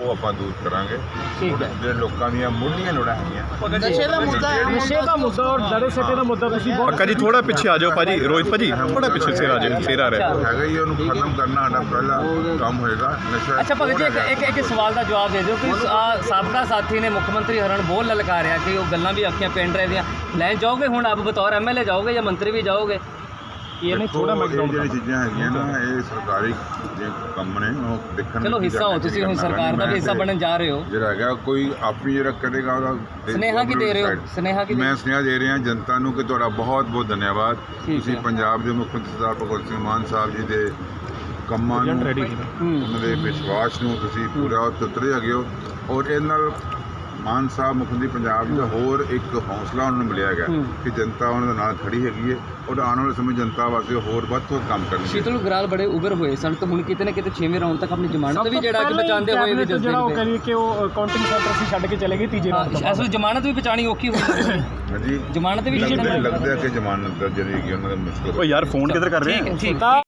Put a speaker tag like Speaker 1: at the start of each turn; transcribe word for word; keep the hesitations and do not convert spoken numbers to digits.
Speaker 1: ਉਹ ਆਪਾਂ ਦੂਰ ਕਰਾਂਗੇ। ਜਿਹੜੇ ਲੋਕਾਂ ਦੀਆਂ ਮੁੱਢਲੀਆਂ ਲੋੜਾਂ ਹੈਗੀਆਂ
Speaker 2: ਨਸ਼ੇ ਦਾ ਮੁੱਦਾ ਹੈ,
Speaker 3: ਨਸ਼ੇ ਦਾ ਮੁੱਦਾ ਔਰ ਦੜੇ ਸੱਟੇ ਦਾ ਮੁੱਦਾ ਤੁਸੀਂ
Speaker 4: ਪੱਕਾ ਜੀ ਥੋੜਾ ਪਿੱਛੇ ਆ ਜਾਓ ਭਾਜੀ, ਰੋਹਿਤ ਭਾਜੀ ਥੋੜਾ ਪਿੱਛੇ ਸਿਰ ਆ ਜਾਓ, ਸਿਰ ਆ ਰਿਹਾ
Speaker 1: ਹੈਗਾ ਹੀ, ਉਹਨੂੰ ਖਤਮ ਕਰਨਾ ਸਾਡਾ ਪਹਿਲਾ ਕੰਮ ਹੋਏਗਾ। ਨਸ਼ਾ
Speaker 5: ਅੱਛਾ ਭਗਤ ਜੀ, ਇੱਕ ਇੱਕ ਇੱਕ ਸਵਾਲ ਦਾ ਜਵਾਬ ਦੇ ਦਿਓ ਕਿ ਆਹ ਸਾਬਕਾ ਸਾਥੀ ਨੇ ਮੁੱਖ ਮੰਤਰੀ ਹਰਨ ਬੋਲ ਲਲਕਾਰਿਆ ਕਿ ਉਹ ਗੱਲਾਂ ਵੀ ਆਖੀਆਂ ਪਿੰਡ ਰਹੇ ਦੀਆਂ ਲੈਣ ਜਾਓਗੇ, ਹੁਣ ਆਪ ਬਤੌਰ ਐਮ ਐਲ ਏ ਜਾਓਗੇ ਜਾਂ ਮੰਤਰੀ ਵੀ ਜਾਓਗੇ?
Speaker 3: ਇਹ ਨਹੀਂ ਥੋੜਾ ਮੈਂ
Speaker 1: ਇਹ ਜਿਹੜੀ ਚੀਜ਼ਾਂ ਹੈਗੀਆਂ ਨਾ, ਇਹ ਸਰਕਾਰੀ ਜੇ ਕੰਮ ਨੇ ਉਹ ਦੇਖਣ।
Speaker 5: ਚਲੋ ਹਿੱਸਾ ਹੋ ਤੁਸੀਂ, ਹੁਣ ਸਰਕਾਰ ਦਾ ਵੀ ਹਿੱਸਾ ਬਣਨ ਜਾ ਰਹੇ ਹੋ।
Speaker 1: ਜਿਹੜਾ ਹੈਗਾ ਕੋਈ ਆਪਣੀ ਜਿਹੜਾ ਕਰੇਗਾ ਉਹਦਾ
Speaker 5: ਸੁਨੇਹਾ ਕੀ ਦੇ ਰਹੇ ਹੋ? ਸੁਨੇਹਾ ਕੀ
Speaker 1: ਮੈਂ ਸੁਨੇਹਾ ਦੇ ਰਿਹਾ ਜਨਤਾ ਨੂੰ ਕਿ ਤੁਹਾਡਾ ਬਹੁਤ ਬਹੁਤ ਧੰਨਵਾਦ। ਤੁਸੀਂ ਪੰਜਾਬ ਦੇ ਮੁੱਖ ਮੰਤਰੀ ਸਰਦਾਰ ਭਗਵੰਤ ਸਿੰਘ ਮਾਨ ਸਾਹਿਬ ਜੀ ਦੇ ਕੰਮਾਂ ਨੂੰ, ਉਹਨਾਂ ਦੇ ਵਿਸ਼ਵਾਸ ਨੂੰ ਤੁਸੀਂ ਪੂਰਾ ਉਤਰੇ ਹੈਗੇ ਹੋ। ਔਰ ਇਹਦੇ ਨਾਲ ਮਾਨ ਸਾਹਿਬ ਮੁੱਖ ਮੰਤਰੀ ਪੰਜਾਬ ਦਾ ਹੋਰ ਇੱਕ ਹੌਸਲਾ ਉਹਨਾਂ ਨੂੰ ਮਿਲਿਆ ਹੈਗਾ ਕਿ ਜਨਤਾ ਉਹਨਾਂ ਦੇ ਨਾਲ ਖੜੀ ਹੈਗੀ ਹੈ ਔਰ ਆਉਣ ਵਾਲੇ ਸਮੇਂ ਜਨਤਾ ਵਾਸਤੇ ਹੋਰ ਵੱਧ ਤੋਂ ਵੱਧ ਕੰਮ ਕਰਨਗੇ।
Speaker 5: ਸ਼ੀਤਲ ਗਰਾਲ ਬੜੇ ਉਭਰ ਹੋਏ ਸਨ ਤਾਂ ਹੁਣ ਕਿਤੇ ਨਾ ਕਿਤੇ ਛੇਵੇਂ ਰਾਉਂਡ ਤੱਕ ਆਪਣੀ ਜ਼ਮਾਨਤ ਵੀ ਜਿਹੜਾ ਕਿ ਬਚਾਉਂਦੇ ਹੋਏ ਵੀ
Speaker 3: ਜਿਹੜਾ ਉਹ ਕਰੀਏ ਕਿ ਉਹ ਕਾਊਂਟਿੰਗ ਸੈਂਟਰ ਸੀ ਛੱਡ ਕੇ ਚਲੇ ਗਏ ਤੀਜੇ ਰਾਉਂਡ ਤੋਂ।
Speaker 5: ਅਸਲ ਜ਼ਮਾਨਤ ਵੀ ਬਚਾਣੀ ਔਖੀ ਹੋਈ
Speaker 1: ਹਾਂਜੀ
Speaker 5: ਜ਼ਮਾਨਤ ਵੀ
Speaker 1: ਲੱਗਦਾ ਕਿ ਜ਼ਮਾਨਤ ਜਿਹੜੀ ਹੈਗੀ ਉਹਨਾਂ ਦਾ ਮੁਸ਼ਕਲ।
Speaker 4: ਓ ਯਾਰ ਫੋਨ ਕਿੱਧਰ ਕਰ ਰਹੇ
Speaker 5: ਠੀਕ
Speaker 4: ਆ?
Speaker 5: ਠੀਕ